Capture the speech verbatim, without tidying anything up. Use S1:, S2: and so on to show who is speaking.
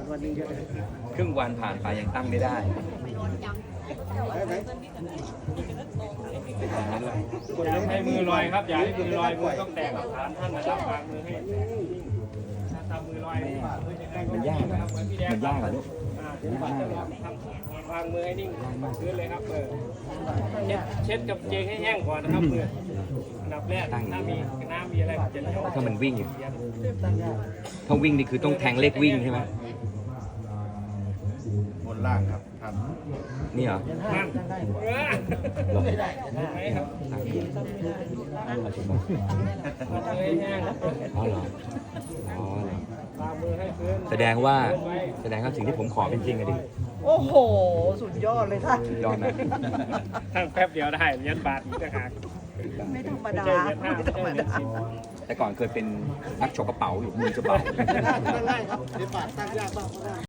S1: วันนี้ก็ได้
S2: ครึ่งวันผ่านไปยังตั้งไม่ได้
S3: อย่าให้มือลอยครับอย่าให้มือลอยมือต้องแตะกับฐานท่านนะครับวางมือให้ถ้าทำมือลอยมันยากนะครับมันยากเหรอลูกเดี๋ยวปัดจะลองทำวางมือให้นิ่งพื้นเลยครับเออเช็ดเช็ดกับเจงให้แห้งก่อนนะครับมืออันดับแรกถ้ามีน้ำมีอะไรจะ
S2: ถ้ามันวิ่งอยู่ถ้าวิ่งนี่คือต้องแทงเลขวิ่งใช่ไหม
S4: บนล่างครับท่าน
S2: นี่เหรอ
S3: นั่นเออ
S2: หรอ
S3: ไหมครับมือให้แห้ง
S2: อ๋อเหรออ๋อเหรอ
S3: วางมือให้พื้น
S2: แสดงว่าแสดงว่าสิ่งที่ผมขอเป็นจริงอะดิ
S1: โอ้โห สุดยอดเลยท่าน
S2: ยอดนะ
S3: ทั้งแป๊บเดียวได้เหรียญบาทอีกต่างหาก
S1: ไม่ธรรมดา
S3: ไม่ใช่เหรียญห้า
S1: ไม่
S3: ไม่
S1: ธร
S3: ใช่
S1: รม
S3: เหรียญ
S1: ดา
S3: สิบ
S2: แต่ก่อนเคยเป็นนักฉกกระเป๋าอยู่มือจะเบา
S4: ได้ครับเดี๋ยวบาทตั้งยากบ้างก็ได้